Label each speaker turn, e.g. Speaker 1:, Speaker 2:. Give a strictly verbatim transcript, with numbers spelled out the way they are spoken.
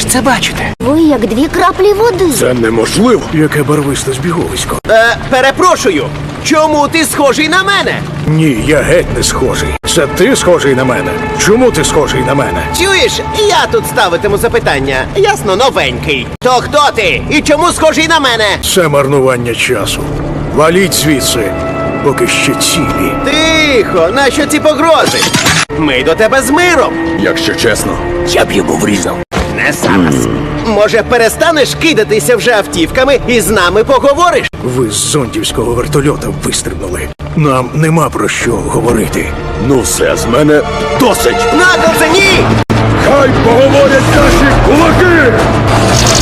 Speaker 1: це бачите?
Speaker 2: Ви як дві краплі води.
Speaker 3: Це неможливо.
Speaker 4: Яке барвисте збіговисько.
Speaker 5: Е, перепрошую, чому ти схожий на мене?
Speaker 4: Ні, я геть не схожий. Це ти схожий на мене. Чому ти схожий на мене?
Speaker 5: Чуєш, я тут ставитиму запитання. Ясно, новенький. То хто ти? І чому схожий на мене?
Speaker 4: Це марнування часу. Валіть звідси, поки ще цілі.
Speaker 5: Тихо, нащо ці погрози? Ми до тебе з миром.
Speaker 3: Якщо чесно, я б йому врізав.
Speaker 5: Не зараз. Може, перестанеш кидатися вже автівками і з нами поговориш?
Speaker 4: Ви з зондівського вертольота вистрибнули. Нам нема про що говорити.
Speaker 3: Ну все, з мене досить.
Speaker 5: На, ковзані!
Speaker 3: Хай поговорять наші кулаки!